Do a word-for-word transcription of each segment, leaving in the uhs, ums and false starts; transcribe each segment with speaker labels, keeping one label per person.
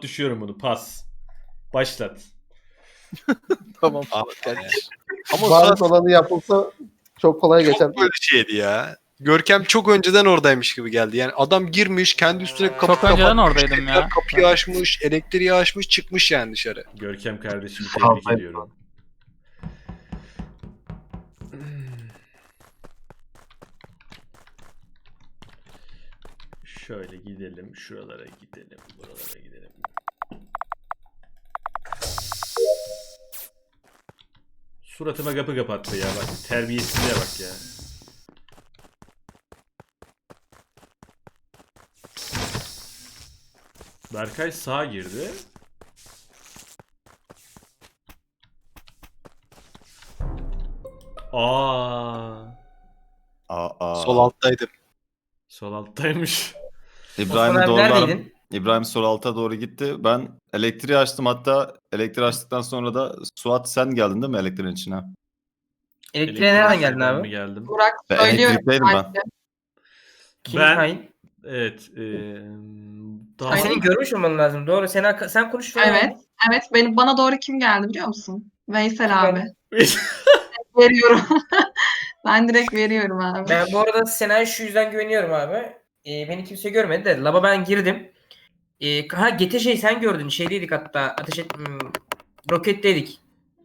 Speaker 1: düşüyorum bunu. Pas. Başlat.
Speaker 2: Tamam.
Speaker 3: Abi kardeşim. Ama
Speaker 4: Bariz
Speaker 3: Suat
Speaker 4: olanı yapılsa çok kolay geçer.
Speaker 3: çok böyle şeydi ya. Görkem çok önceden oradaymış gibi geldi. Yani adam girmiş, kendi üstüne kapı
Speaker 5: Çok önceden
Speaker 3: kapatmış,
Speaker 5: oradaydım
Speaker 3: tekrar
Speaker 5: ya.
Speaker 3: kapıyı açmış, elektriği açmış, çıkmış yani dışarı.
Speaker 1: Görkem kardeşimi tebrik ediyorum. Şöyle gidelim, şuralara gidelim, buralara gidelim. Suratıma kapı kapattı ya bak. Terbiyesizliğe bak ya. Berkay sağa girdi. Aa,
Speaker 6: Aa, aa.
Speaker 3: Sol alttaydım.
Speaker 1: sol alttaymış.
Speaker 6: İbrahim'i
Speaker 7: Osman abi
Speaker 6: doğrular.
Speaker 7: neredeydin?
Speaker 6: İbrahim sol alta doğru gitti. Ben elektriği açtım, hatta elektriği açtıktan sonra da Suat sen geldin değil mi elektriğin içine?
Speaker 7: Elektriğe nereden geldin
Speaker 1: Ben mi
Speaker 7: abi?
Speaker 1: geldim?
Speaker 8: Burak
Speaker 6: Ben
Speaker 8: söylüyorum.
Speaker 6: elektrikteydim ben.
Speaker 8: bence.
Speaker 7: Kim
Speaker 1: Ben-
Speaker 7: hain?
Speaker 1: Evet. Eee daha...
Speaker 7: Ha, senin görmüş olman lazım. Doğru. Sen sen konuş. falan.
Speaker 8: Evet. Evet. Benim, bana doğru kim geldi biliyor musun? Veysel
Speaker 7: Kim
Speaker 8: abi.
Speaker 7: geldi?
Speaker 8: Veriyorum. Ben direkt veriyorum abi.
Speaker 7: Ben bu arada Sena'ya şu yüzden güveniyorum abi. Ee, beni kimse görmedi de. Laba ben girdim. Ee, ha Gete şey sen gördün. Şeydeydik hatta. Ateş et... Hmm, roketteydik.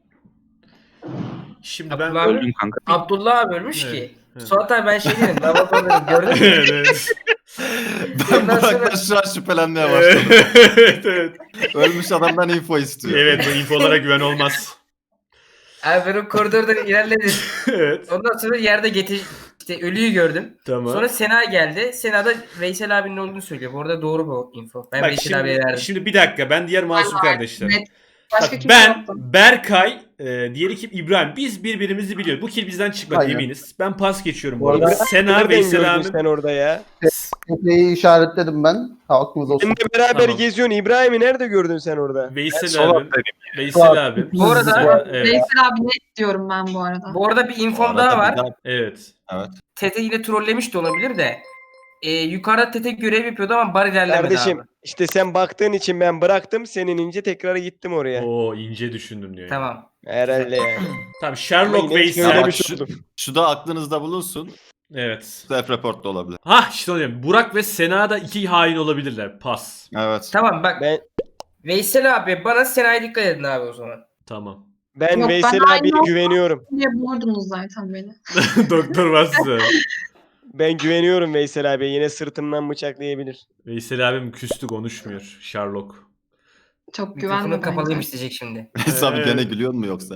Speaker 1: Şimdi ben...
Speaker 7: Abdullah abi,
Speaker 2: Öldüm kanka.
Speaker 7: Abdullah abi ölmüş
Speaker 1: Evet,
Speaker 7: ki.
Speaker 1: evet.
Speaker 7: Suat abi ben şey dedim. Laba dedim. Gördün mü?
Speaker 1: evet, evet.
Speaker 6: Ben
Speaker 7: Ondan sonra-
Speaker 6: Burak'tan şu an şüphelenmeye başladım.
Speaker 1: evet, evet.
Speaker 6: Ölmüş adamdan info istiyor.
Speaker 1: Evet, bu infolara güven olmaz.
Speaker 7: Abi ben o koridorda ilerledim.
Speaker 1: evet.
Speaker 7: Ondan sonra yerde Gete işte ölüyü gördüm.
Speaker 1: Tamam.
Speaker 7: Sonra Sena geldi. Sena da Veysel abinin olduğunu söylüyor. Bu arada doğru bu info. Ben
Speaker 1: Bak
Speaker 7: Veysel abiye
Speaker 1: şimdi,
Speaker 7: verdim.
Speaker 1: şimdi bir dakika, ben diğer masum
Speaker 8: Aynen,
Speaker 1: kardeşler.
Speaker 8: net. Başka
Speaker 1: Bak,
Speaker 8: kimse
Speaker 1: ben,
Speaker 8: yoktu.
Speaker 1: Berkay, e, diğeri kim? İbrahim. Biz birbirimizi biliyoruz. Bu kill bizden çıkmadı
Speaker 4: Aynen.
Speaker 1: eminiz. Ben pas geçiyorum bu
Speaker 4: Bu
Speaker 1: arada.
Speaker 4: arada-
Speaker 1: Sena,
Speaker 2: Nereden
Speaker 1: Veysel
Speaker 2: gördün
Speaker 1: abi.
Speaker 2: sen orada ya?
Speaker 4: Tepeyi işaretledim ben. Aklınız olsun.
Speaker 2: Benimle beraber
Speaker 1: Tamam.
Speaker 2: geziyorsun. İbrahim'i nerede gördün sen orada?
Speaker 1: Veysel
Speaker 3: Sol
Speaker 1: abi.
Speaker 3: alttaydım.
Speaker 1: Veysel abi.
Speaker 7: Bu arada
Speaker 1: Evet.
Speaker 8: Veysel abi net diyorum ben bu arada.
Speaker 7: bu arada bir
Speaker 6: Bu
Speaker 7: infom
Speaker 6: arada
Speaker 7: daha
Speaker 6: bir
Speaker 7: var.
Speaker 6: daha-
Speaker 1: Evet.
Speaker 6: Evet.
Speaker 7: Tete yine trollemiş de olabilir de. Ee, yukarıda Tete görev yapıyordu ama bar ilerlemedi
Speaker 2: Kardeşim
Speaker 7: abi.
Speaker 2: işte sen baktığın için ben bıraktım. Senin ince tekrar gittim oraya.
Speaker 1: Oo, ince düşündüm diyor.
Speaker 7: Tamam.
Speaker 2: Herhalde yani.
Speaker 1: Tamam, Sherlock
Speaker 2: Ama yine
Speaker 1: Veysel.
Speaker 2: söylemiş
Speaker 6: şu-
Speaker 2: oldum.
Speaker 6: Şu da aklınızda bulunsun.
Speaker 1: Evet.
Speaker 6: Self-report da olabilir.
Speaker 1: Ha işte onu diyorum. Burak ve Sena da iki hain olabilirler. Pas.
Speaker 6: Evet.
Speaker 7: Tamam bak.
Speaker 2: Ben
Speaker 7: Veysel abi bana Sena'ya dikkat edin abi o zaman.
Speaker 1: Tamam.
Speaker 2: ben
Speaker 8: Yok, ben
Speaker 2: Veysel
Speaker 8: aynı
Speaker 2: abiye
Speaker 8: olsam-
Speaker 2: güveniyorum.
Speaker 8: diye bulurdunuz zaten beni.
Speaker 1: Doktor Vasfı.
Speaker 2: Ben güveniyorum Veysel abiye. Yine sırtımdan bıçaklayabilir.
Speaker 1: Veysel abim küstü, konuşmuyor. Sherlock.
Speaker 8: Çok
Speaker 7: Mikrofonu
Speaker 8: güvenli
Speaker 7: kapalıymış
Speaker 8: bence.
Speaker 7: diyecek şimdi.
Speaker 6: Sen
Speaker 1: Evet.
Speaker 6: gene gülüyor mu yoksa?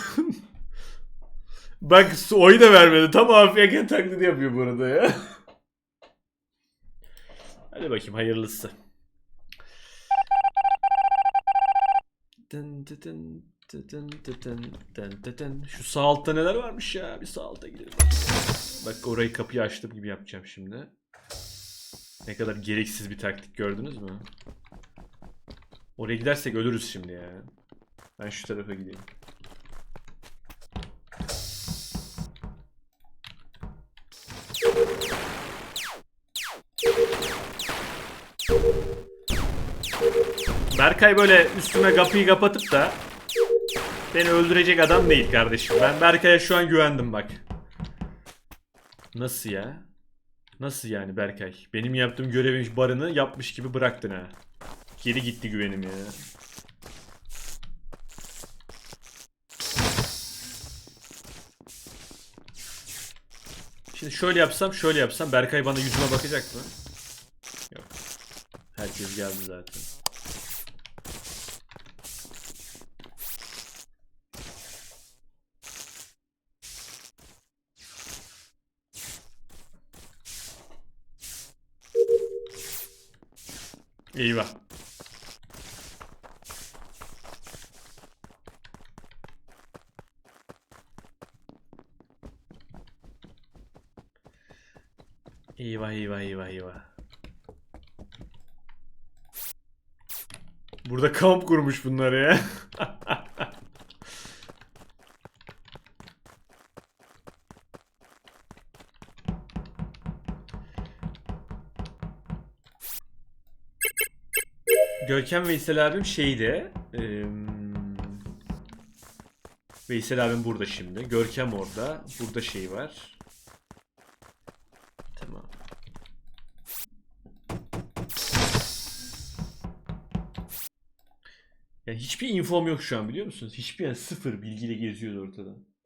Speaker 1: Bak su- oyu da vermedi. Tam afiyet taklidi yapıyor bu arada ya. Hadi bakayım hayırlısı. Dın dı dın dı dın dı dın dın dı dın. Şu sağ altta neler varmış ya? Bir sağ alta gidelim. Bak orayı, kapıyı açtım gibi yapacağım şimdi. Ne kadar gereksiz bir taktik, gördünüz mü? Oraya gidersek ölürüz şimdi ya. Ben şu tarafa gideyim. Berkay böyle üstüme kapıyı kapatıp da beni öldürecek adam değil kardeşim. Ben Berkay'a şu an güvendim bak. Nasıl ya? Nasıl yani Berkay? Benim yaptığım görevin barını yapmış gibi bıraktın ha. Geri gitti güvenim ya. Şimdi şöyle yapsam, şöyle yapsam Berkay bana yüzüme bakacak mı? Yok. Herkes geldi zaten. Eyvah. Eyvah eyvah eyvah eyvah. Burada kamp kurmuş bunlar ya. Görkem Veysel abim şeyde. eee, Veysel abim burada şimdi. Görkem orada. Burada şey var. Tamam. Ya hiçbir infom yok şu an biliyor musunuz? Hiçbir yani sıfır bilgiyle geziyordu ortada.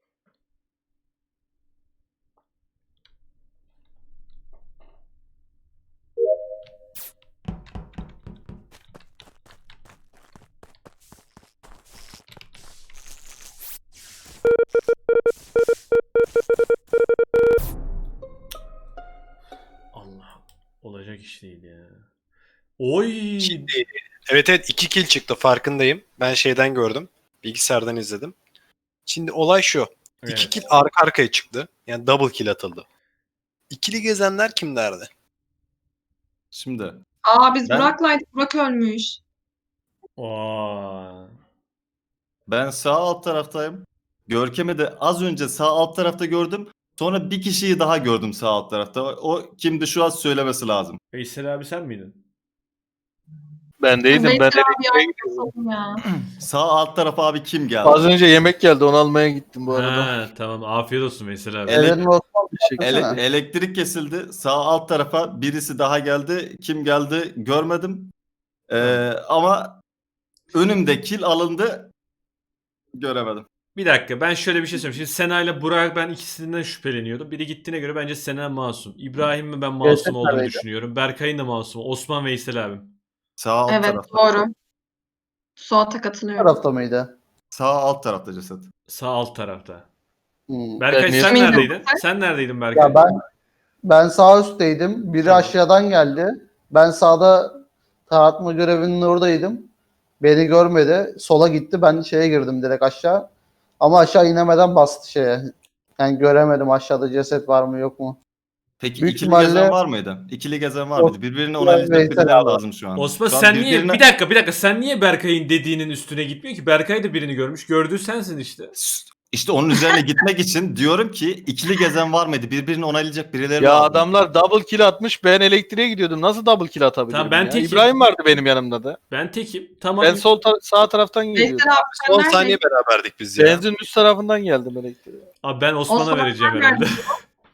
Speaker 1: Allah. Olacak iş değil ya. Oy.
Speaker 3: Şimdi evet evet iki kill çıktı farkındayım. Ben şeyden gördüm. Bilgisayardan izledim. Şimdi olay şu.
Speaker 1: Evet.
Speaker 3: İki kill arka arkaya çıktı. Yani double kill atıldı. İkili gezenler kimlerdi?
Speaker 6: Şimdi
Speaker 8: Aa biz
Speaker 6: Ben-
Speaker 8: Burak'laydık. Burak ölmüş.
Speaker 1: Aa.
Speaker 6: ben sağ alt taraftayım. Görkem'i de az önce sağ alt tarafta gördüm. Sonra bir kişiyi daha gördüm sağ alt tarafta. O, o kimdi şu an söylemesi lazım.
Speaker 1: Veysel abi sen miydin?
Speaker 5: Ben değildim.
Speaker 8: Veysel
Speaker 5: Ben
Speaker 8: abi
Speaker 5: elektriğe
Speaker 8: ya,
Speaker 5: gidiyorum.
Speaker 8: nasıl ya?
Speaker 6: Sağ alt tarafa abi kim geldi?
Speaker 5: Az önce yemek geldi. Onu almaya gittim bu arada.
Speaker 1: Ha, tamam afiyet olsun Veysel abi.
Speaker 6: Evet.
Speaker 4: Eren ve Osman
Speaker 5: Teşekkür
Speaker 6: Ele-
Speaker 4: baksana.
Speaker 6: elektrik kesildi. Sağ alt tarafa birisi daha geldi. Kim geldi görmedim. Ee, ama önümde kill alındı. Göremedim.
Speaker 1: Bir dakika ben şöyle bir şey söyleyeyim. Şimdi Sena ile Burak ben ikisinden şüpheleniyordum. Biri gittiğine göre bence Sena masum. İbrahim'in ben masum
Speaker 4: Veysel
Speaker 1: olduğunu
Speaker 4: neredeydi?
Speaker 1: düşünüyorum. Berkay'ın da masum. Osman Veysel abim.
Speaker 6: Sağ alt
Speaker 8: Evet
Speaker 6: tarafta.
Speaker 8: doğru. Suat'a
Speaker 4: Bu
Speaker 8: katılıyorum.
Speaker 4: tarafta mıydı?
Speaker 6: Sağ alt tarafta ceset.
Speaker 1: Sağ alt tarafta.
Speaker 4: Hmm.
Speaker 1: Berkay
Speaker 5: Ben niye-
Speaker 1: sen
Speaker 8: Eminim.
Speaker 1: neredeydin? Sen neredeydin Berkay?
Speaker 4: Ya ben ben sağ üstteydim. Biri
Speaker 1: Tamam.
Speaker 4: aşağıdan geldi. Ben sağda taratma görevinin oradaydım. Beni görmedi. Sola gitti. Ben şeye girdim direkt aşağı. Ama aşağı inemeden bastı şeye. Yani göremedim aşağıda ceset var mı yok mu.
Speaker 6: Peki
Speaker 4: Büyük
Speaker 6: ikili
Speaker 4: ihtimalle-
Speaker 6: gezen var mıydı? İkili gezen var mıydı? Birbirini onaylayacak
Speaker 4: Veysel
Speaker 6: birileri
Speaker 4: abi.
Speaker 6: lazım şu an.
Speaker 1: Osman
Speaker 6: Şu an
Speaker 1: sen niye
Speaker 6: birbirine-
Speaker 1: bir dakika bir dakika sen niye Berkay'ın dediğinin üstüne gitmiyor ki? Berkay da birini görmüş. Gördüğü sensin işte.
Speaker 6: İşte onun üzerine gitmek için diyorum ki ikili gezen var mıydı? Birbirini onaylayacak birileri
Speaker 5: Ya
Speaker 6: lazım.
Speaker 5: adamlar double kill atmış. Ben elektriğe gidiyordum. Nasıl double kill atabilirim
Speaker 1: Tamam, ben
Speaker 5: ya?
Speaker 1: tekim.
Speaker 5: İbrahim vardı benim yanımda da.
Speaker 1: Ben tekim. Tamam.
Speaker 5: Ben sol ta- sağ taraftan geliyordum.
Speaker 8: Veysel abi sen
Speaker 3: on
Speaker 8: neredeydin?
Speaker 3: saniye beraberdik biz ya.
Speaker 5: Benzin üst tarafından geldim elektriğe.
Speaker 1: Abi ben Osman'a
Speaker 8: Osman
Speaker 1: vereceğim
Speaker 8: sen
Speaker 1: herhalde.
Speaker 8: neredeydin?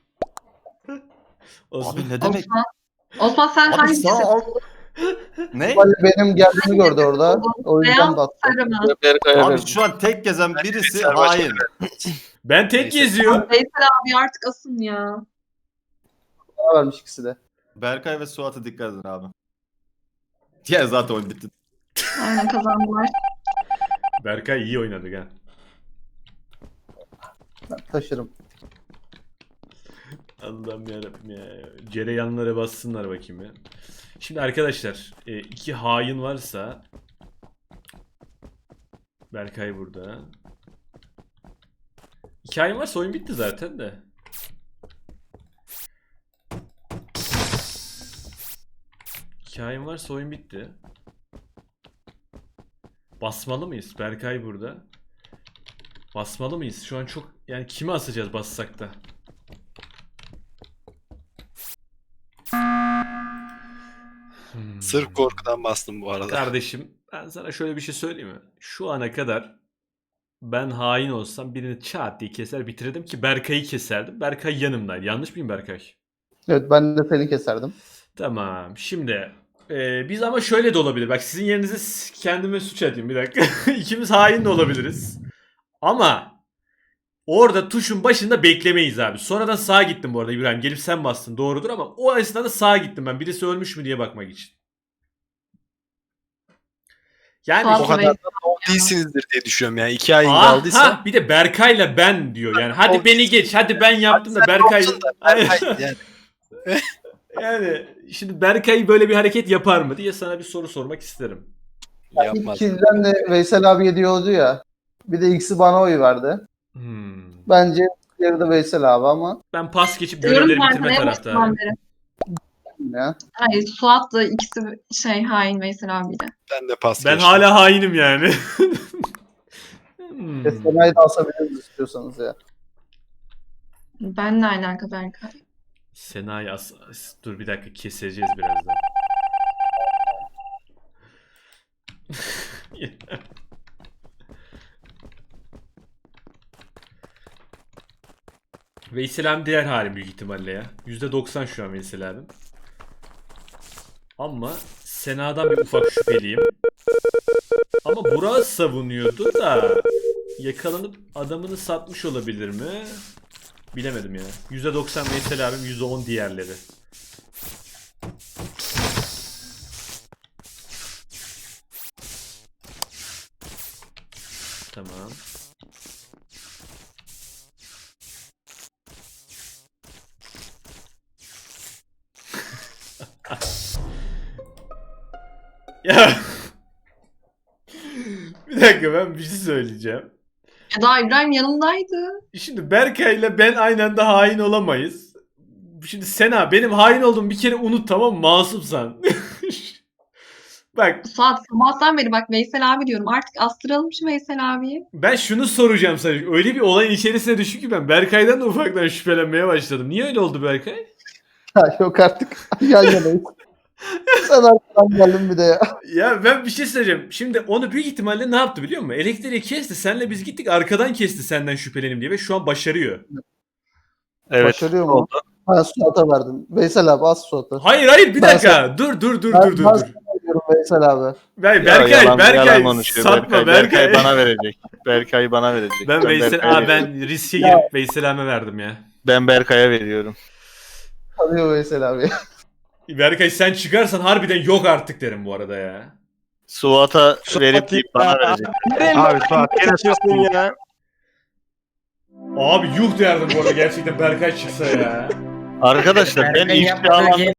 Speaker 1: Osman.
Speaker 6: Abi ne demek?
Speaker 8: Osman. Osman sen
Speaker 6: Abi
Speaker 8: hangi
Speaker 6: sağ
Speaker 8: ceset
Speaker 6: alt... Ne?
Speaker 4: Ali benim geldiğimi gördü orada. O yüzden
Speaker 8: Beyaz
Speaker 4: de attı.
Speaker 8: sarı mı?
Speaker 5: Ben Berkay'a
Speaker 6: Abi
Speaker 5: verdim.
Speaker 6: şu an tek gezen birisi
Speaker 3: Veysel başka
Speaker 6: hain.
Speaker 1: Ben tek
Speaker 3: Neyse.
Speaker 1: geziyor.
Speaker 8: Veysel abi artık asın ya.
Speaker 4: Bana vermiş ikisi de.
Speaker 6: Berkay ve Suat'a dikkat edin abi. Ya zaten oyun bitti.
Speaker 8: Aynen kazandılar.
Speaker 1: Berkay iyi oynadı gel.
Speaker 4: Ben taşırım.
Speaker 1: Allah'ım yarabbim ya. Cereyanlara bassınlar bakayım ya. Şimdi arkadaşlar e, iki hain varsa Berkay burada. İki hain varsa oyun bitti zaten de. İki hain varsa oyun bitti. Basmalı mıyız? Berkay burada. Basmalı mıyız? Şu an çok yani kimi asacağız bassak da? Hmm.
Speaker 3: Sırf korkudan bastım bu arada.
Speaker 1: Kardeşim ben sana şöyle bir şey söyleyeyim mi? Şu ana kadar ben hain olsam birini çat diye keser bitirdim ki Berkay'ı keserdim. Berkay yanımdaydı. Yanlış mıyım Berkay?
Speaker 4: Evet ben de seni keserdim.
Speaker 1: Tamam. Şimdi e, biz ama şöyle de olabilir. Bak sizin yerinize s- kendime suç atayım bir dakika. İkimiz hain de olabiliriz. Ama orada tuşun başında beklemeyiz abi. Sonradan sağa gittim bu arada İbrahim. Gelip sen bastın. Doğrudur ama o esnada sağa gittim ben. Birisi ölmüş mü diye bakmak için. Yani
Speaker 8: Suat
Speaker 3: O kadar
Speaker 8: Veysel
Speaker 3: da doğru değilsinizdir diye düşünüyorum yani. İki ay
Speaker 1: Aha,
Speaker 3: kaldıysa.
Speaker 1: bir de Berkay'la ben diyor yani. Hadi
Speaker 3: Olsun.
Speaker 1: beni geç. Hadi ben yaptım da
Speaker 3: Sen
Speaker 1: Berkay.
Speaker 3: olsun da Berkay yani.
Speaker 1: Yani şimdi Berkay böyle bir hareket yapar mı diye sana bir soru sormak isterim.
Speaker 4: İlk
Speaker 3: Yapmaz.
Speaker 4: kilden de Veysel abi diyordu ya. Bir de ikisi bana oy verdi.
Speaker 1: Hmm.
Speaker 4: Bence diğeri de Veysel abi ama
Speaker 1: Ben pas geçip
Speaker 8: Diyorum
Speaker 1: görevleri
Speaker 8: ben
Speaker 1: bitirme
Speaker 8: sana en
Speaker 1: taraftarıyım.
Speaker 8: başından beri.
Speaker 4: ya.
Speaker 8: Hayır Suat da ikisi şey hain Veysel abiyle.
Speaker 3: Ben de pas
Speaker 1: Ben
Speaker 3: geçtim.
Speaker 1: hala hainim yani. Hmm.
Speaker 4: Sena'yı da asabiliriz istiyorsanız ya.
Speaker 8: Benle alaka Berkay.
Speaker 1: Sena'yı as, as- dur bir dakika keseceğiz birazdan. Veysel abi diğer halim büyük ihtimalle ya. yüzde doksan şu an Veysel abim. Ama Sena'dan bir ufak şüpheliyim. Ama Burak savunuyordu da yakalanıp adamını satmış olabilir mi? Bilemedim ya. yüzde doksan Veysel abim, yüzde on diğerleri. Tamam. Ya. Bir dakika, ben bir şey söyleyeceğim.
Speaker 8: Eda İbrahim yanımdaydı.
Speaker 1: Şimdi Berkay ile ben aynı anda hain olamayız. Şimdi Sena, benim hain olduğumu bir kere unut, tamam mı? Masumsan. Bak,
Speaker 8: Saat sabahtan beri bak Veysel abi diyorum. Artık astıralım şu Veysel abiyi.
Speaker 1: ben şunu soracağım sana. Öyle bir olayın içerisine düştüm ki ben Berkay'dan da ufaktan şüphelenmeye başladım. Niye öyle oldu Berkay?
Speaker 4: Ya yok artık. Yan yanayız. Sen arkadan geldin bir de ya.
Speaker 1: Ya ben bir şey söyleyeceğim. Şimdi onu büyük ihtimalle ne yaptı biliyor musun? Elektriği kesti. Senle biz gittik, arkadan kesti senden şüphelenim diye ve şu an başarıyor.
Speaker 5: Evet.
Speaker 4: Başarıyor mu? Ben Suat'a verdim. Veysel abi az Suat'a.
Speaker 1: Hayır hayır bir
Speaker 4: Ben
Speaker 1: dakika. Dur dur dur
Speaker 4: Ben-
Speaker 1: dur dur
Speaker 4: ben
Speaker 1: dur.
Speaker 4: sana diyorum Veysel abi.
Speaker 1: Ben,
Speaker 5: Ya,
Speaker 1: Berkay
Speaker 5: yalan-
Speaker 1: Berkay
Speaker 5: yalan konuşuyor
Speaker 1: satma
Speaker 5: Berkay.
Speaker 1: Berkay.
Speaker 5: Berkay bana verecek. Berkay bana verecek.
Speaker 1: Ben Veysel
Speaker 5: Berkay'a
Speaker 1: Aa,
Speaker 5: veriyorum.
Speaker 1: ben riske girip Veysel abime verdim ya.
Speaker 5: Ben Berkay'a veriyorum.
Speaker 4: Tanıyor Veysel abi.
Speaker 1: Berkay sen çıkarsan harbiden yok artık derim bu arada ya.
Speaker 5: Suat'a verip
Speaker 2: Suat ya.
Speaker 5: bana verecek.
Speaker 2: Abi Suat gene diyorsun ya.
Speaker 1: Abi yuh derdim bu arada gerçekten Berkay çıksa ya.
Speaker 5: Arkadaşlar ben
Speaker 7: Berkay'ın
Speaker 5: ifşa
Speaker 7: yapmadığı
Speaker 5: alanında
Speaker 7: game